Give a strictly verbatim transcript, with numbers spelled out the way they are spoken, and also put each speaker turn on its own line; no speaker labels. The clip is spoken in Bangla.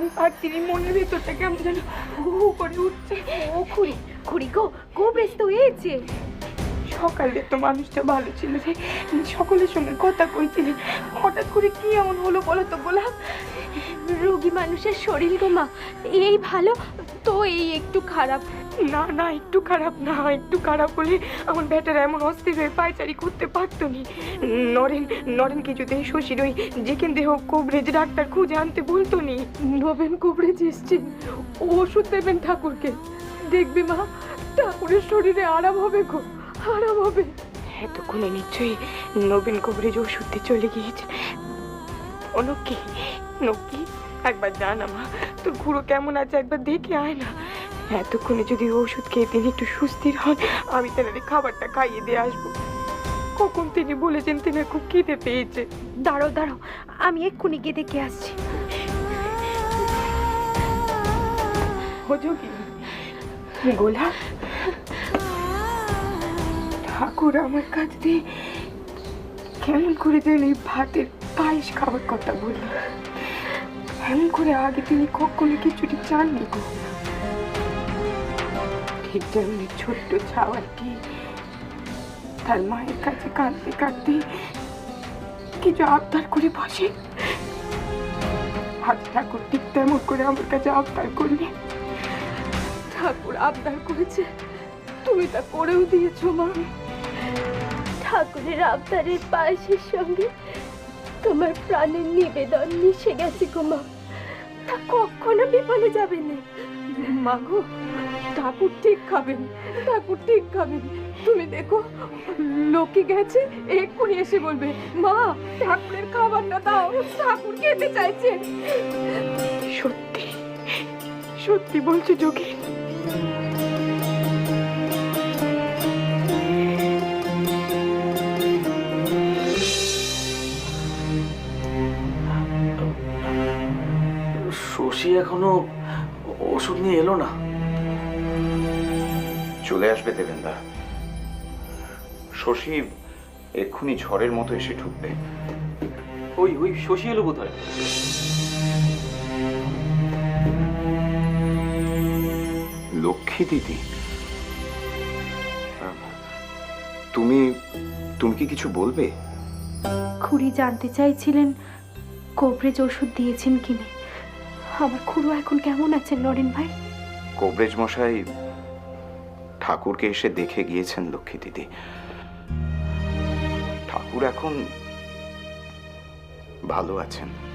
আর তিনি মনের ভেতরটা কেমন যেন হু হু করে উঠছে।
ও খুড়ি, খুড়ি গো, কোবরেজ তো হয়েছে।
সকালে তো মানুষটা ভালো ছিল রে, সকলের সঙ্গে কথা কইছিলি, হঠাৎ করে কি এমন হলো বলো তো গোলাপ?
রোগী মানুষের শরীর গো মা, এই ভালো তো এই একটু খারাপ।
না না, একটু খারাপ না, একটু খারাপ হলে আমার বেটারা এমন অস্থির হয়ে পায়চারি করতে পারতো নি। নরেন নরেন কিছুতে শশীর ওই যেখান দেহ কোবরেজ ডাক্তার খুঁজে আনতে বলতো নি।
নবেন কোবরেজ এসছেন, ওষুধ দেবেন ঠাকুরকে। দেখবি মা, ঠাকুরের শরীরে আরাম হবে গো, আরাম হবে।
এতক্ষণে নিশ্চয়ই নবীন কোবরেজ ওষুধে চলে গিয়েছে। ও নক্কি, নক্কি একবার জানা মা, তোর খুড়ো কেমন আছে একবার দেখে আয় না। এতক্ষণে যদি ওষুধ খেয়ে তিনি একটু সুস্থির হন, আমি তেনারে খাবারটা খাইয়ে দিয়ে আসবো। কখন তিনি বলেছেন তিনি খুব খিদে পেয়েছে।
দাঁড়ো দাঁড়ো, আমি এক্ষুনি গিয়ে দেখে আসছি।
যোগী গোলাপ, ঠাকুর আমার কাছ দিয়ে কেমন করে যেন এই ভাতের পায়েস খাবার কথা বললেন, এমন করে আগে তিনি কখনো কিছুটি চাননি গো। ঠিক যেমনি ছোট্ট ছাওয়াটি তার মায়ের কাছে কাঁদতে কাঁদতে কিছু আবদার করে বসে, আজ ঠাকুর ঠিক তেমন করে আমার কাছে আবদার করলে।
ঠাকুর আবদার করেছে, তুমি তা করেও দিয়েছো মা।
ঠাকুরের আবদারের পায়েসের সঙ্গে তোমার প্রাণের নিবেদন মিশে গেছে গো মা, তা কখনো বিফলে যাবে না।
মা গো, ঠাকুর ঠিক খাবেন, ঠাকুর ঠিক খাবেন। তুমি দেখো, লোকে গেছে, এক্ষুনি এসে বলবে মা ঠাকুরের খাবারটা দাও, ঠাকুর খেতে চাইছে।
সত্যি সত্যি বলছো যোগী?
শশী এখনো ওষুধ নিয়ে এলো না।
চলে আসবে দেবেন্দা, শশী এক্ষুনি ঝড়ের মতো এসে ঢুকবে।
ওই ওই শশী এলো বোধ হয়।
লক্ষ্মী দিদি, তুমি তুমি কি কিছু বলবে?
খুড়ি জানতে চাইছিলেন কোবরেজ ওষুধ দিয়েছেন কিনা। আমার খুড়ো এখন কেমন আছেন নরেন ভাই?
কোবরেজ মশাই ঠাকুরকে এসে দেখে গিয়েছেন লক্ষ্মী দিদি। ঠাকুর এখন ভালো আছেন।